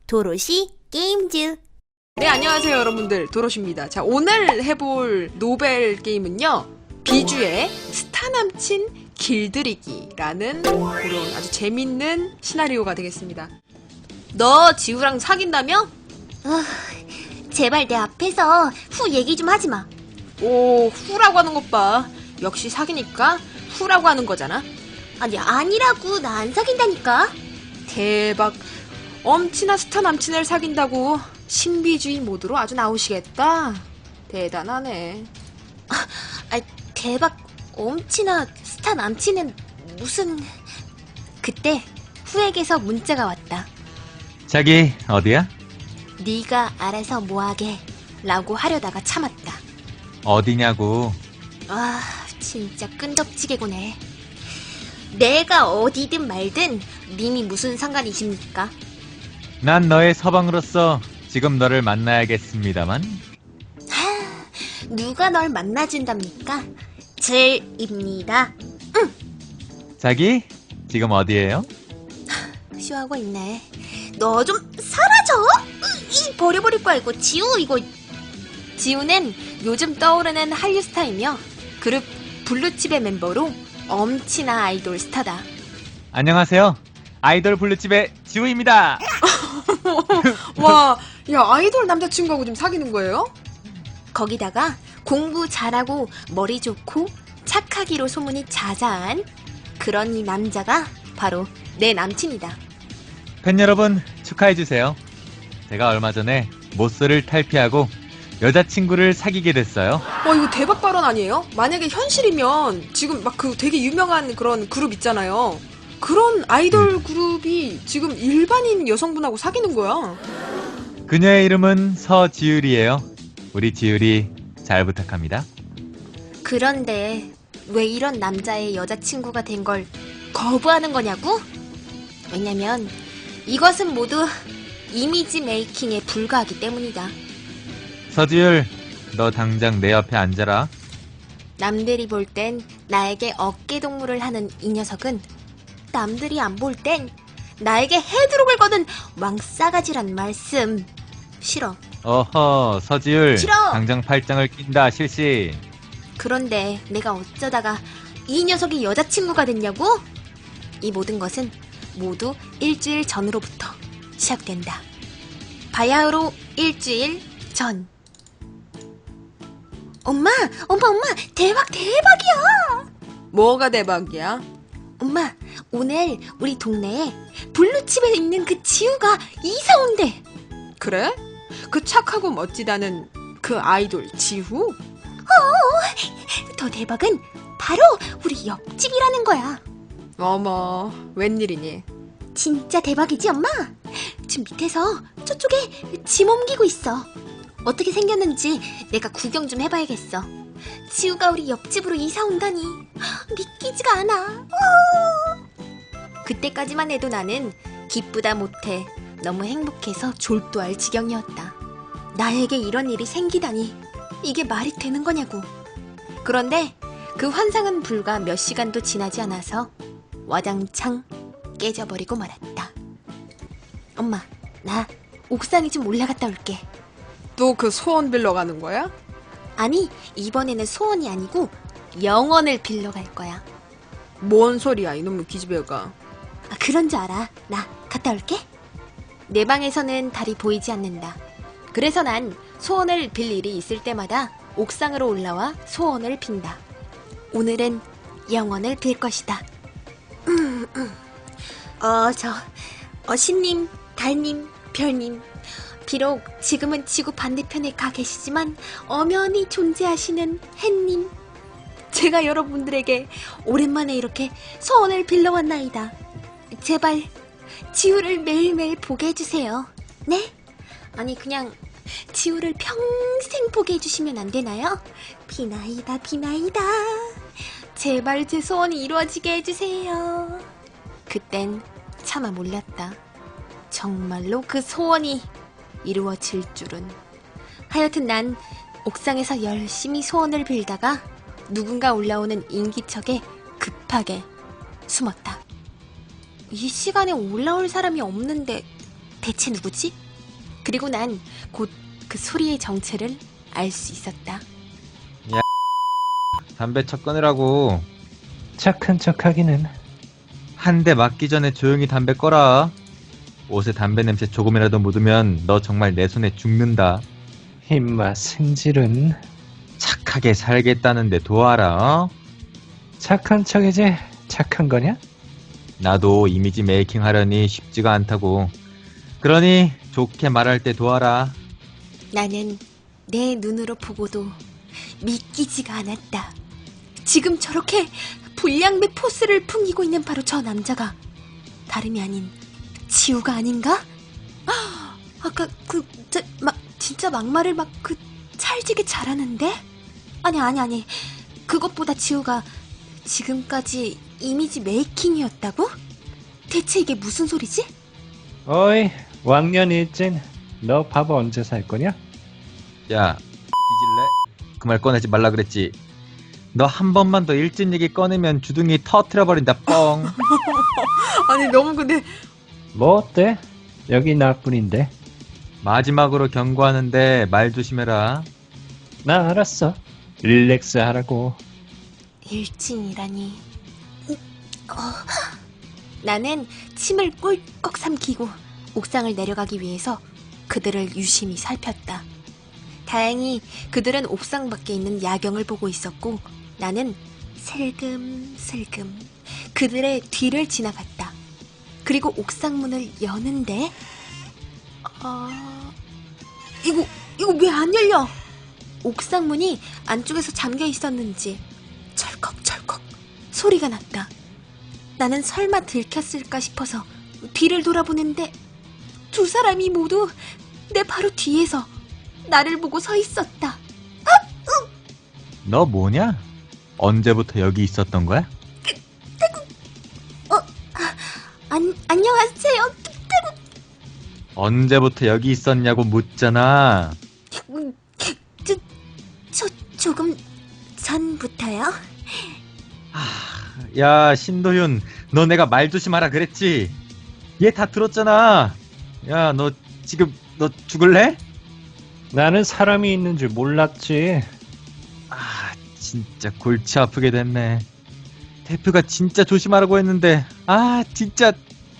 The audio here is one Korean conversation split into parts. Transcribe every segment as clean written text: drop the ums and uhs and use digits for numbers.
도로시 게임즈. 네, 안녕하세요 여러분들, 도로시입니다. 자, 오늘 해볼 노벨 게임은요, 비주의 스타 남친 길들이기라는 그런 아주 재밌는 시나리오가 되겠습니다. 너 지우랑 사귄다며? 제발 내 앞에서 후 얘기 좀 하지 마. 오, 후라고 하는 것 봐. 역시 사귀니까 후라고 하는 거잖아. 아니, 아니라고. 나 안 사귄다니까. 대박. 엄친아 스타 남친을 사귄다고 신비주의 모드로 아주 나오시겠다. 대단하네. 대박. 엄친아 스타 남친은 무슨... 그때 후에게서 문자가 왔다. 자기 어디야? 네가 알아서 뭐하게 라고 하려다가 참았다. 어디냐고. 아, 진짜 끈덕지게구네. 내가 어디든 말든 님이 무슨 상관이십니까? 난 너의 서방으로서 지금 너를 만나야겠습니다만. 누가 널 만나준답니까? 질입니다. 자기 지금 어디에요? 쇼하고 있네. 너 좀 사라져! 이 버려버릴 거야 이거. 지우 이거. 지우는 요즘 떠오르는 한류 스타이며 그룹 블루칩의 멤버로 엄친아 아이돌 스타다. 안녕하세요. 아이돌 블루칩의 지우입니다. 와, 야, 아이돌 남자친구하고 좀 사귀는 거예요? 거기다가 공부 잘하고 머리 좋고 착하기로 소문이 자자한 그런 이 남자가 바로 내 남친이다. 팬 여러분 축하해주세요. 제가 얼마 전에 모쏠을 탈피하고 여자친구를 사귀게 됐어요. 와, 이거 대박 발언 아니에요? 만약에 현실이면 지금 막 그 되게 유명한 그런 그룹 있잖아요. 그런 아이돌 그룹이 지금 일반인 여성분하고 사귀는 거야. 그녀의 이름은 서지율이에요. 우리 지율이 잘 부탁합니다. 그런데 왜 이런 남자의 여자친구가 된 걸 거부하는 거냐고? 왜냐면 이것은 모두 이미지 메이킹에 불과하기 때문이다. 서지율, 너 당장 내 옆에 앉아라. 남들이 볼 땐 나에게 어깨 동무를 하는 이 녀석은 남들이 안 볼 땐 나에게 헤드록을 거는 왕싸가지란 말씀. 싫어. 어허, 서지율. 싫어. 당장 팔짱을 낀다, 실시. 그런데 내가 어쩌다가 이 녀석이 여자친구가 됐냐고? 이 모든 것은 모두 일주일 전으로부터 시작된다. 바야흐로 일주일 전. 엄마! 대박이야! 뭐가 대박이야? 엄마, 오늘 우리 동네에 블루칩에 있는 그 지우가 이사 온대. 그래? 그 착하고 멋지다는 그 아이돌 지후? 더 대박은 바로 우리 옆집이라는 거야. 어머, 웬일이니? 진짜 대박이지, 엄마? 지금 밑에서 저쪽에 짐 옮기고 있어. 어떻게 생겼는지 내가 구경 좀 해봐야겠어. 지우가 우리 옆집으로 이사 온다니 믿기지가 않아. 그때까지만 해도 나는 기쁘다 못해 너무 행복해서 졸도할 지경이었다. 나에게 이런 일이 생기다니 이게 말이 되는 거냐고. 그런데 그 환상은 불과 몇 시간도 지나지 않아서 와장창 깨져버리고 말았다. 엄마, 나 옥상에 좀 올라갔다 올게. 또 그 소원 빌러 가는 거야? 아니, 이번에는 소원이 아니고 영원을 빌러 갈 거야. 뭔 소리야, 이놈의 기집애가. 그런 줄 알아. 나 갔다 올게. 내 방에서는 달이 보이지 않는다. 그래서 난 소원을 빌 일이 있을 때마다 옥상으로 올라와 소원을 빈다. 오늘은 영원을 빌 것이다. 신님, 달님, 별님. 비록 지금은 지구 반대편에 가 계시지만 엄연히 존재하시는 햇님. 제가 여러분들에게 오랜만에 이렇게 소원을 빌러왔나이다. 제발 지우를 매일매일 보게 해주세요. 네? 아니 그냥 지우를 평생 보게 해주시면 안 되나요? 비나이다. 제발 제 소원이 이루어지게 해주세요. 그땐 차마 몰랐다. 정말로 그 소원이 이루어질 줄은. 하여튼 난 옥상에서 열심히 소원을 빌다가 누군가 올라오는 인기척에 급하게 숨었다. 이 시간에 올라올 사람이 없는데 대체 누구지? 그리고 난 곧 그 소리의 정체를 알 수 있었다. 담배 첫 꺼내라고. 착한 척하기는. 한 대 맞기 전에 조용히 담배 꺼라. 옷에 담배 냄새 조금이라도 묻으면 너 정말 내 손에 죽는다. 임마 승질은. 착하게 살겠다는데 도와라. 어? 착한 척이지 착한 거냐? 나도 이미지 메이킹 하려니 쉽지가 않다고. 그러니 좋게 말할 때 도와라. 나는 내 눈으로 보고도 믿기지가 않았다. 지금 저렇게 불량배 포스를 풍기고 있는 바로 저 남자가 다름이 아닌 지우가 아닌가? 아까 진짜 막말을 막 찰지게 잘하는데? 아니. 그것보다 지우가 지금까지 이미지 메이킹이었다고? 대체 이게 무슨 소리지? 어이 왕년 일진 너 밥 언제 살 거냐? 야, 뒤질래? 그 말 꺼내지 말라 그랬지. 너 한 번만 더 일진 얘기 꺼내면 주둥이 터트려버린다, 뻥. 아니 너무 근데 뭐 어때? 여기 나뿐인데. 마지막으로 경고하는데 말 조심해라. 나 알았어. 릴렉스 하라고. 일진이라니. 나는 침을 꿀꺽 삼키고 옥상을 내려가기 위해서 그들을 유심히 살폈다. 다행히 그들은 옥상 밖에 있는 야경을 보고 있었고 나는 슬금슬금 그들의 뒤를 지나갔다. 그리고 옥상 문을 여는데 이거 왜 안 열려? 옥상 문이 안쪽에서 잠겨 있었는지 철컥철컥 소리가 났다. 나는 설마 들켰을까 싶어서 뒤를 돌아보는데 두 사람이 모두 내 바로 뒤에서 나를 보고 서 있었다. 너 뭐냐? 언제부터 여기 있었던 거야? 안녕하세요. 언제부터 여기 있었냐고 묻잖아. 조금 전부터요. 야, 신도윤, 너 내가 말 조심하라 그랬지? 얘 다 들었잖아. 야, 너 지금 너 죽을래? 나는 사람이 있는 줄 몰랐지. 진짜 골치 아프게 됐네. 대표가 진짜 조심하라고 했는데, 진짜.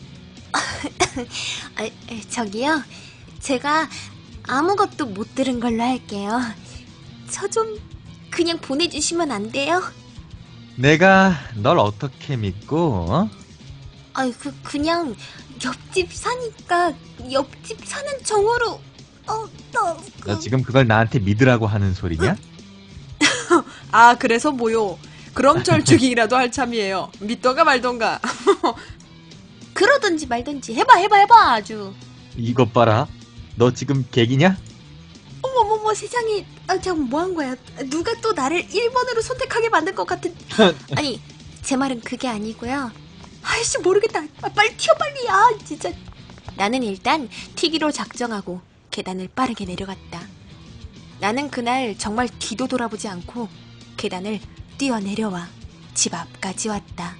저기요. 제가 아무것도 못 들은 걸로 할게요. 저 좀 그냥 보내주시면 안 돼요? 내가 널 어떻게 믿고, 어? 그냥 옆집 사니까 옆집 사는 정으로 너 지금 그걸 나한테 믿으라고 하는 소리냐? 그래서 뭐요? 그럼 절죽이라도 할 참이에요. 믿던가 말던가. 그러든지 말든지 해봐 아주. 이것 봐라. 너 지금 객이냐? 어머머머 세상에. 잠깐 뭐한 거야? 누가 또 나를 1번으로 선택하게 만든 것 같은. 아니 제 말은 그게 아니고요. 아이씨 모르겠다. 빨리 튀어 빨리. 진짜. 나는 일단 튀기로 작정하고 계단을 빠르게 내려갔다. 나는 그날 정말 뒤도 돌아보지 않고 계단을 뛰어내려와 집 앞까지 왔다.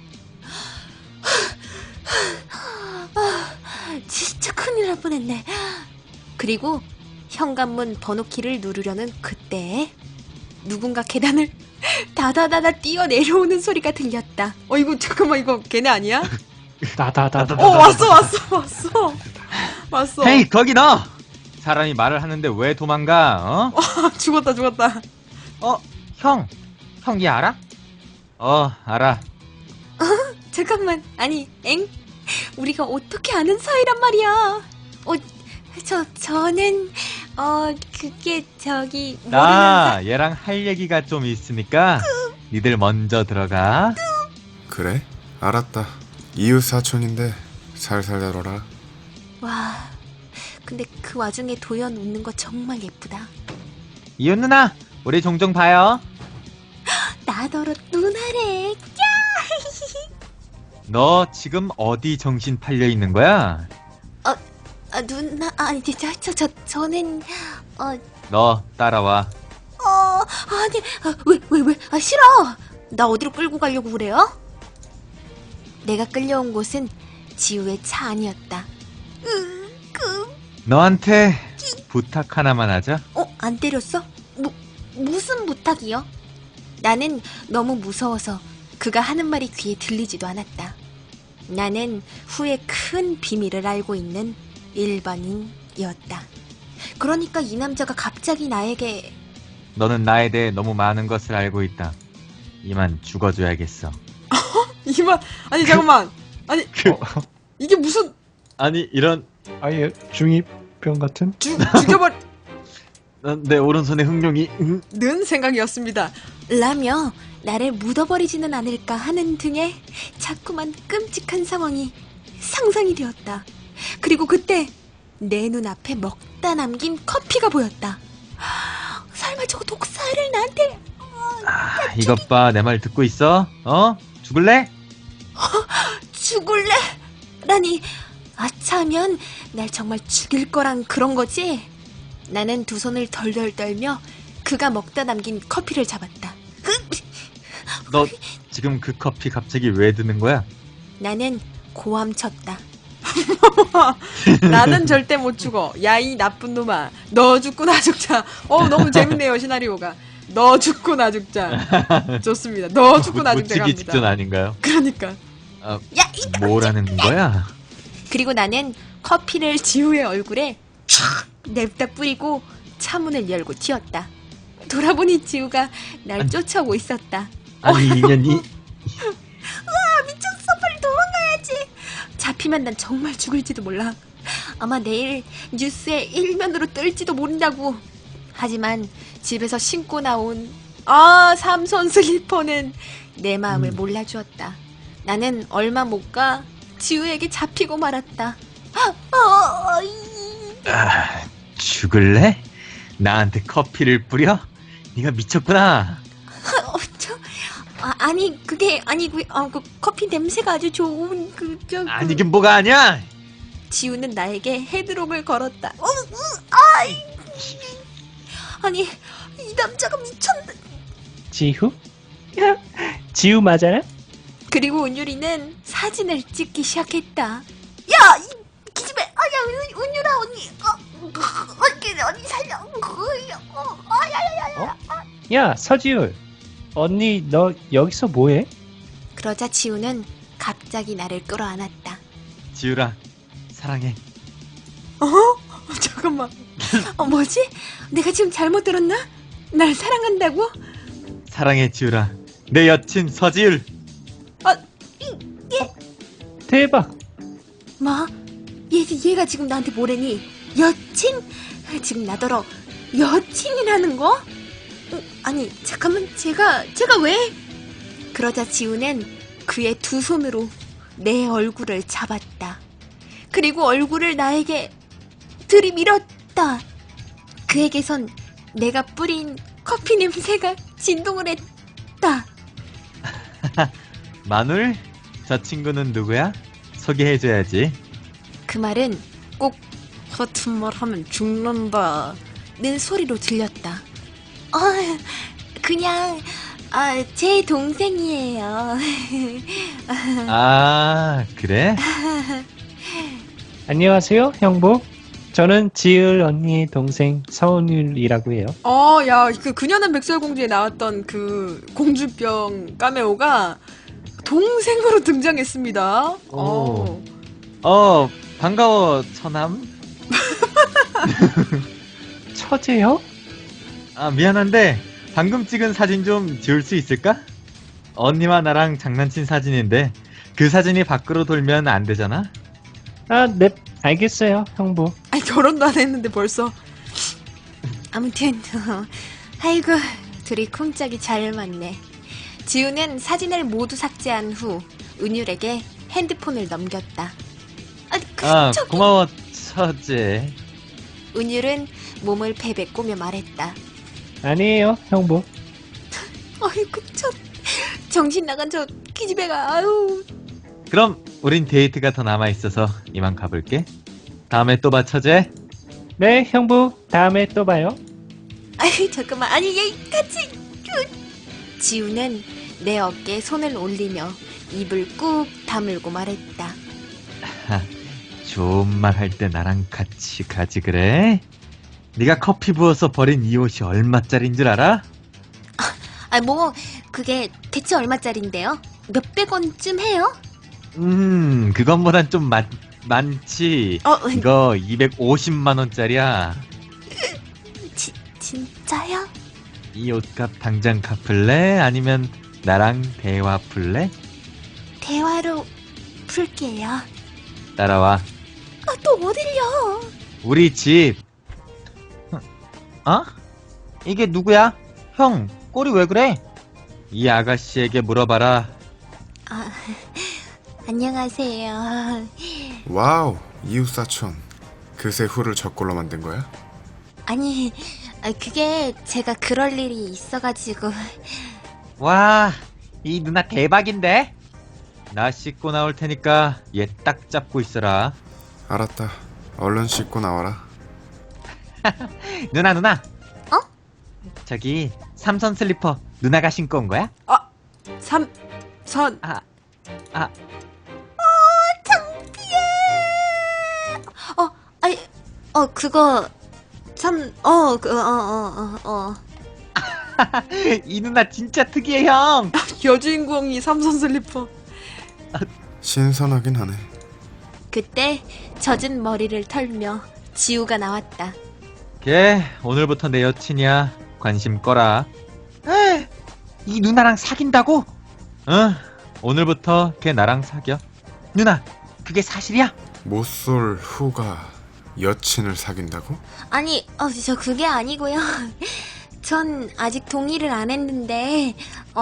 진짜 큰일 날 뻔했네. 그리고 현관문 번호키를 누르려는 그때에 누군가 계단을 다다다다 뛰어내려오는 소리가 들렸다. 이거 잠깐만 이거 걔네 아니야? 다다다다. 왔어. 헤이, 거기 너! 사람이 말을 하는데 왜 도망가, 어? 죽었다. 형, 얘 알아? 알아. 잠깐만. 아니 우리가 어떻게 아는 사이란 말이야. 저는 그게 저기 나 얘랑 할 얘기가 좀 있으니까 니들 먼저 들어가. 그래? 알았다. 이웃 사촌인데 살살 다뤄라. 와, 근데 그 와중에 도연 웃는 거 정말 예쁘다. 이웃 누나, 우리 종종 봐요. 나더러 누나래. 너 지금 어디 정신 팔려 있는 거야? 누나, 저는 너 따라와. 아니, 왜, 싫어. 나 어디로 끌고 가려고 그래요? 내가 끌려온 곳은 지우의 차 안이었다. 너한테 부탁 하나만 하자. 안 때렸어? 무슨 부탁이요? 나는 너무 무서워서 그가 하는 말이 귀에 들리지도 않았다. 나는 후에 큰 비밀을 알고 있는 일반인이었다. 그러니까 이 남자가 갑자기 나에게 너는 나에 대해 너무 많은 것을 알고 있다. 이만 죽어줘야겠어. 이만 아니 잠깐만 아니 이게 무슨 아니 이런 아예 중2병 같은? 죽여버리는 내 오른손에 흑룡이 생각이었습니다. 라며 나를 묻어버리지는 않을까 하는 등의 자꾸만 끔찍한 상황이 상상이 되었다. 그리고 그때 내 눈앞에 먹다 남긴 커피가 보였다. 설마 저거 독사를 나한테... 이것 봐, 내 말 듣고 있어? 죽을래? 죽을래? 라니 아차하면 날 정말 죽일 거란 그런 거지? 나는 두 손을 덜덜 떨며 그가 먹다 남긴 커피를 잡았다. 너 지금 그 커피 갑자기 왜 드는 거야? 나는 고함쳤다. 나는 절대 못 죽어. 야 이 나쁜 놈아. 너 죽고 나 죽자. 너무 재밌네요 시나리오가. 너 죽고 나 죽자. 좋습니다. 너 죽고 나 죽자 묻히기 갑니다. 직전 아닌가요? 그러니까. 야, 뭐라는 거야? 그리고 나는 커피를 지우의 얼굴에 촥 냅다 뿌리고 차문을 열고 튀었다. 돌아보니 지우가 날 쫓아오고 있었다. 아니 인연이 미쳤어, 빨리 도망가야지. 잡히면 난 정말 죽을지도 몰라. 아마 내일 뉴스에 일면으로 뜰지도 모른다고. 하지만 집에서 신고 나온 삼선 슬리퍼는 내 마음을 몰라주었다. 나는 얼마 못 가 지우에게 잡히고 말았다. 죽을래? 나한테 커피를 뿌려? 네가 미쳤구나. 아니 그게 아니고 그 커피 냄새가 아주 좋은 아니긴 뭐가 아니야. 지우는 나에게 헤드록을 걸었다. 아니 이 남자가 미쳤네. 지후? 지우 맞아요? 그리고 은유리는 사진을 찍기 시작했다. 야, 이 기집애, 야, 은유라 언니, 언니 살려, 야, 서지율. 언니, 너 여기서 뭐해? 그러자 지우는 갑자기 나를 끌어안았다. 지우라 사랑해. 잠깐만. 뭐지? 내가 지금 잘못 들었나? 날 사랑한다고? 사랑해 지우라. 내 여친 서지율. 대박. 뭐? 얘가 지금 나한테 뭐래니? 여친? 지금 나더러 여친이라는 거? 아니 잠깐만 제가 왜? 그러자 지우는 그의 두 손으로 내 얼굴을 잡았다. 그리고 얼굴을 나에게 들이밀었다. 그에게선 내가 뿌린 커피 냄새가 진동을 했다. 마눌? 저 친구는 누구야? 소개해줘야지. 그 말은 꼭 같은 말 하면 죽는다 는 소리로 들렸다. 그냥 제 동생이에요. 아 그래? 안녕하세요, 형부. 저는 지을 언니 동생 서은율이라고 해요. 야, 그녀는 백설공주에 나왔던 그 공주병 카메오가 동생으로 등장했습니다. 오. 반가워 처남. 처제요? 미안한데 방금 찍은 사진 좀 지울 수 있을까? 언니와 나랑 장난친 사진인데 그 사진이 밖으로 돌면 안 되잖아? 네, 알겠어요, 형부. 아니, 결혼도 안 했는데 벌써. 아무튼 아이고 둘이 쿵짝이 잘 맞네. 지우는 사진을 모두 삭제한 후 은율에게 핸드폰을 넘겼다. 고마워 처제. 은율은 몸을 베베꼬며 말했다. 아니에요, 형부. 아이고 정신 나간 저 기집애가. 아유. 그럼 우린 데이트가 더 남아있어서 이만 가볼게. 다음에 또 봐 처제. 네, 형부. 다음에 또 봐요. 아이 잠깐만, 아니 얘 같이. 지우는 내 어깨에 손을 올리며 입을 꾹 다물고 말했다. 좋은 말 할 때 나랑 같이 가지 그래? 네가 커피 부어서 버린 이 옷이 얼마짜린 줄 알아? 아, 뭐, 그게 대체 얼마짜린데요? 몇백 원쯤 해요? 그것보단 좀 많지. 이거 250만 원짜리야. 진짜요? 이 옷값 당장 갚을래? 아니면 나랑 대화 풀래? 대화로 풀게요. 따라와. 또 어딜요? 우리 집. 어? 이게 누구야? 형, 꼴이 왜 그래? 이 아가씨에게 물어봐라. 아, 안녕하세요. 와우, 이웃사촌. 그새 후를 저꼴로 만든 거야? 아니, 그게 제가 그럴 일이 있어가지고. 와, 이 누나 대박인데? 나 씻고 나올 테니까 얘 딱 잡고 있어라. 알았다. 얼른 씻고 나와라. 누나. 어? 저기 삼선 슬리퍼 누나가 신고 온 거야? 삼선. 아니, 그거, 이 누나 진짜 특이해 형. 여주인공이 삼선 슬리퍼. 신선하긴 하네. 그때 젖은 머리를 털며 지우가 나왔다. 걔 오늘부터 내 여친이야. 관심 꺼라. 이 누나랑 사귄다고? 응. 오늘부터 걔 나랑 사겨. 누나, 그게 사실이야? 못쏠 후가 여친을 사귄다고? 아니, 저 그게 아니고요. 전 아직 동의를 안 했는데,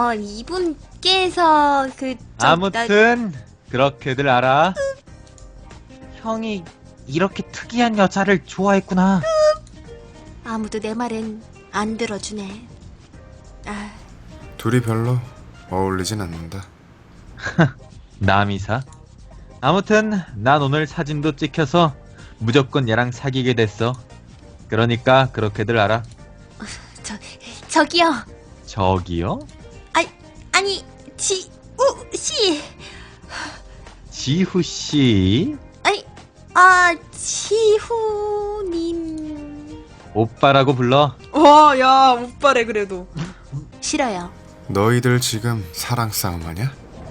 이분께서 아무튼 그렇게들 알아. 형이 이렇게 특이한 여자를 좋아했구나. 아무도 내 말은 안 들어주네. 둘이 별로 어울리진 않는다. 남이사. 아무튼 난 오늘 사진도 찍혀서 무조건 얘랑 사귀게 됐어. 그러니까 그렇게들 알아. 저기요. 저기요? 아니, 지우씨. 지후씨. 지후님. 오빠라고 불러. 와, 야, 오빠래 그래도. 싫어요. 너희들 지금 사랑 싸움 하냐?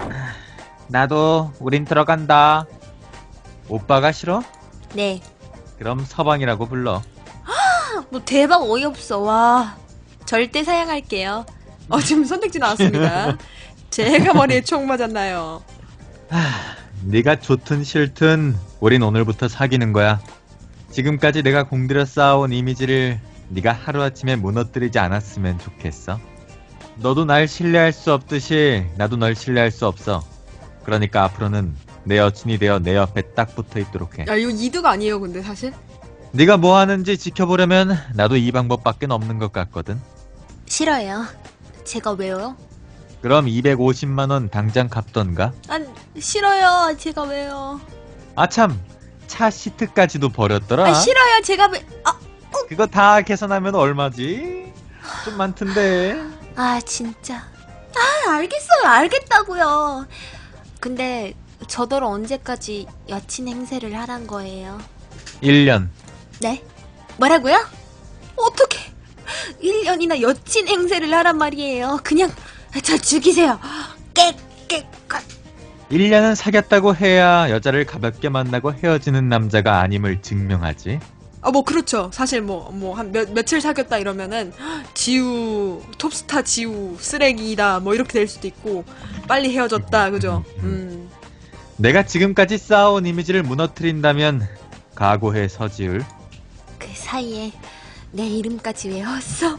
나도 우린 들어간다. 오빠가 싫어? 네. 그럼 서방이라고 불러. 뭐 대박 어이없어. 와. 절대 사양할게요. 지금 선택지 나왔습니다. 제가 머리에 총 맞았나요? 네가 좋든 싫든 우린 오늘부터 사귀는 거야. 지금까지 내가 공들여 쌓아온 이미지를 네가 하루아침에 무너뜨리지 않았으면 좋겠어. 너도 날 신뢰할 수 없듯이 나도 널 신뢰할 수 없어. 그러니까 앞으로는 내 여친이 되어 내 옆에 딱 붙어 있도록 해. 야, 이거 이득 아니에요, 근데 사실? 네가 뭐 하는지 지켜보려면 나도 이 방법밖에 없는 것 같거든. 싫어요. 제가 왜요? 그럼 250만 원 당장 갚던가. 싫어요. 제가 왜요? 아참, 차 시트까지도 버렸더라. 싫어요. 제가 왜? 그거 다 계산하면 얼마지? 좀 많던데. 진짜. 알겠어요. 알겠다고요. 근데 저더러 언제까지 여친 행세를 하란 거예요? 1년. 네? 뭐라고요? 어떻게 1년이나 여친 행세를 하란 말이에요. 그냥 저 죽이세요. 깨끗. 1년은 사귀었다고 해야 여자를 가볍게 만나고 헤어지는 남자가 아님을 증명하지. 뭐 그렇죠. 사실 한 며칠 사귀었다 이러면은 지우 톱스타 지우 쓰레기다 뭐 이렇게 될 수도 있고 빨리 헤어졌다 그죠? 내가 지금까지 쌓아온 이미지를 무너뜨린다면 각오해 서지울. 그 사이에 내 이름까지 외웠어.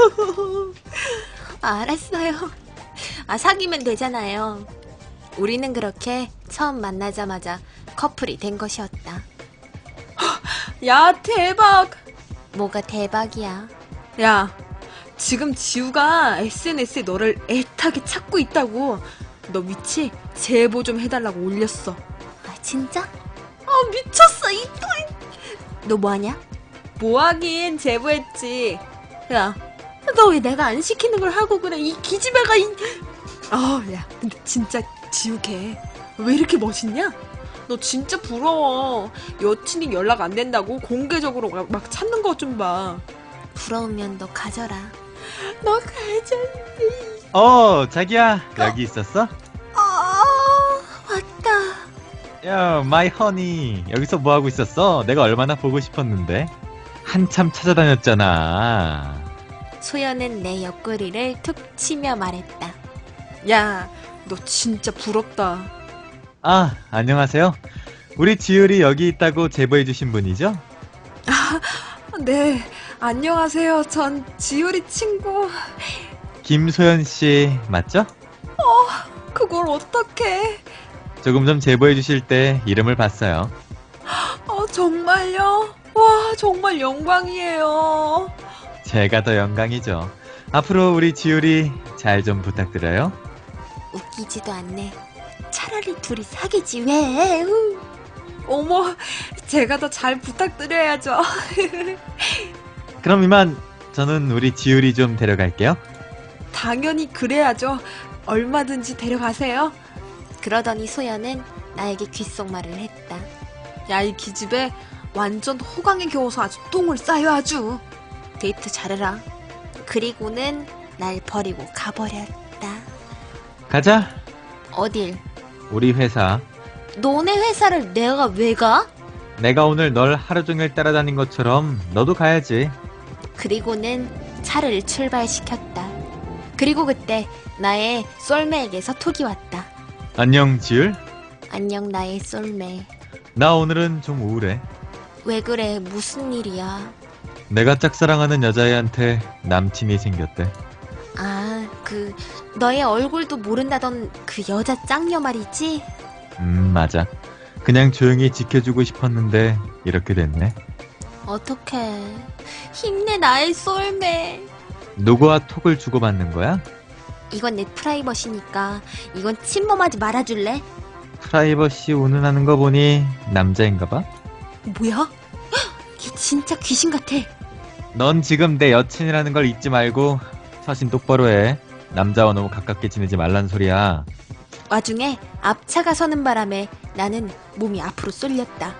알았어요. 사귀면 되잖아요. 우리는 그렇게 처음 만나자마자 커플이 된 것이었다. 야, 대박! 뭐가 대박이야. 야, 지금 지우가 SNS에 너를 애타게 찾고 있다고. 너 위치 제보 좀 해달라고 올렸어. 진짜? 미쳤어, 이 너 뭐하냐? 뭐하긴 제보했지. 야, 너 왜 내가 안 시키는 걸 하고 그래? 이 기집애가 야, 근데 진짜 지우 걔 왜 이렇게 멋있냐? 너 진짜 부러워. 여친이 연락 안 된다고 공개적으로 막 찾는 거 좀 봐. 부러우면 너 가져라. 너 가졌니? 자기야. 여기 있었어? 왔다. 야, 마이 허니. 여기서 뭐 하고 있었어? 내가 얼마나 보고 싶었는데. 한참 찾아다녔잖아. 소연은 내 옆구리를 툭 치며 말했다. 야, 너 진짜 부럽다. 안녕하세요. 우리 지율이 여기 있다고 제보해주신 분이죠? 네, 안녕하세요. 전 지율이 친구. 김소연 씨, 맞죠? 그걸 어떡해. 조금 전 제보해주실 때 이름을 봤어요. 정말요? 와, 정말 영광이에요. 제가 더 영광이죠. 앞으로 우리 지율이 잘 좀 부탁드려요. 웃기지도 않네. 차라리 둘이 사귀지 왜? 어머, 제가 더 잘 부탁드려야죠. 그럼 이만 저는 우리 지율이 좀 데려갈게요. 당연히 그래야죠. 얼마든지 데려가세요. 그러더니 소연은 나에게 귓속말을 했다. 야, 이 기집애 완전 호강에 겨워서 아주 똥을 싸요 아주. 데이트 잘해라. 그리고는 날 버리고 가버렸다. 가자. 어딜? 우리 회사. 너네 회사를 내가 왜 가? 내가 오늘 널 하루 종일 따라다닌 것처럼 너도 가야지. 그리고는 차를 출발시켰다. 그리고 그때 나의 쏠매에게서 톡이 왔다. 안녕 지율. 안녕 나의 쏠매. 나 오늘은 좀 우울해. 왜 그래? 무슨 일이야? 내가 짝사랑하는 여자애한테 남친이 생겼대. 너의 얼굴도 모른다던 그 여자 짱녀 말이지? 맞아. 그냥 조용히 지켜주고 싶었는데 이렇게 됐네. 어떡해. 힘내 나의 쏠매. 누구와 톡을 주고받는 거야? 이건 내 프라이버시니까 이건 침범하지 말아줄래? 프라이버시 운운하는 거 보니 남자인가 봐? 뭐야? 얘 진짜 귀신 같아. 넌 지금 내 여친이라는 걸 잊지 말고 처신 똑바로 해. 남자와 너무 가깝게 지내지 말란 소리야. 와중에 앞차가 서는 바람에 나는 몸이 앞으로 쏠렸다.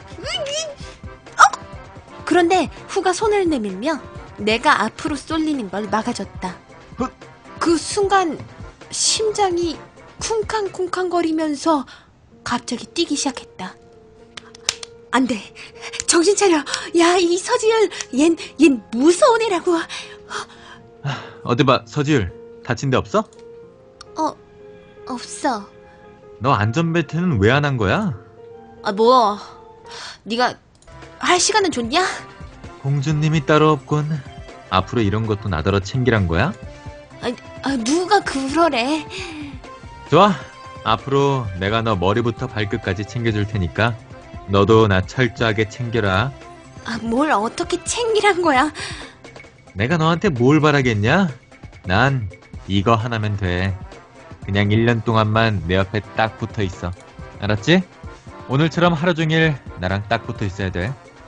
그런데 후가 손을 내밀며 내가 앞으로 쏠리는 걸 막아줬다. 그 순간 심장이 쿵쾅쿵쾅거리면서 갑자기 뛰기 시작했다. 안 돼. 정신 차려. 야, 이 서지율. 얜 무서운 애라고. 어디 봐, 서지율. 다친 데 없어? 없어. 너 안전벨트는 왜 안 한 거야? 뭐. 네가 할 시간은 좋냐? 공주님이 따로 없군. 앞으로 이런 것도 나더러 챙기란 거야? 누가 그러래. 좋아. 앞으로 내가 너 머리부터 발끝까지 챙겨줄 테니까 너도 나 철저하게 챙겨라. 뭘 어떻게 챙기란 거야? 내가 너한테 뭘 바라겠냐? 난 이거 하나면 돼. 그냥 1년 동안만 내 옆에 딱 붙어 있어. 알았지? 오늘처럼 하루 종일 나랑 딱 붙어 있어야 돼.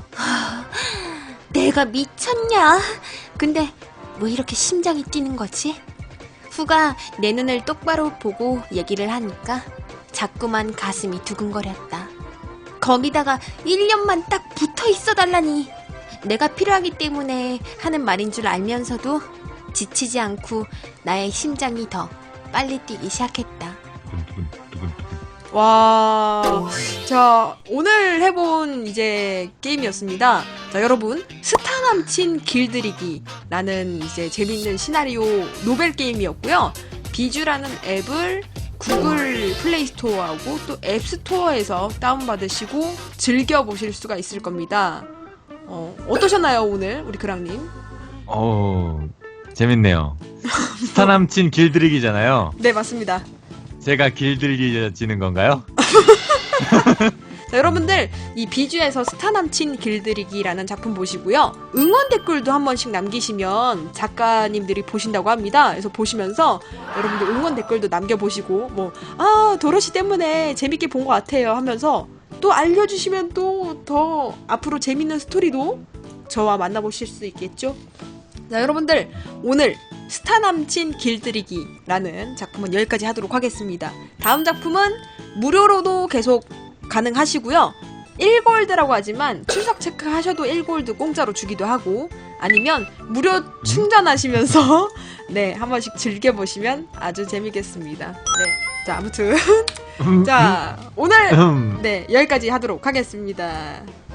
내가 미쳤냐? 근데 왜 이렇게 심장이 뛰는 거지? 후가 내 눈을 똑바로 보고 얘기를 하니까 자꾸만 가슴이 두근거렸다. 거기다가 1년만 딱 붙어 있어 달라니. 내가 필요하기 때문에 하는 말인 줄 알면서도 지치지 않고 나의 심장이 더 빨리 뛰기 시작했다. 와, 자, 오늘 해본 이제 게임이었습니다. 자, 여러분, 스타 남친 길들이기라는 이제 재밌는 시나리오 노벨 게임이었고요. 비주라는 앱을 구글 플레이 스토어하고 또 앱스토어에서 다운받으시고 즐겨보실 수가 있을 겁니다. 어떠셨나요, 오늘 우리 그랑님? 재밌네요. 스타 남친 길들이기잖아요. 네, 맞습니다. 제가 길들이지는 건가요? 자, 여러분들 이 비주에서 스타 남친 길들이기라는 작품 보시고요. 응원 댓글도 한 번씩 남기시면 작가님들이 보신다고 합니다. 그래서 보시면서 여러분들 응원 댓글도 남겨보시고 도로시 때문에 재밌게 본 것 같아요 하면서 또 알려주시면 또 더 앞으로 재밌는 스토리도 저와 만나보실 수 있겠죠? 자, 여러분들 오늘 스타 남친 길들이기라는 작품은 여기까지 하도록 하겠습니다. 다음 작품은 무료로도 계속 가능하시고요. 1골드라고 하지만 출석 체크 하셔도 1골드 공짜로 주기도 하고 아니면 무료 충전하시면서 네, 한 번씩 즐겨보시면 아주 재미겠습니다. 네. 자, 아무튼 자, 오늘 네, 여기까지 하도록 하겠습니다.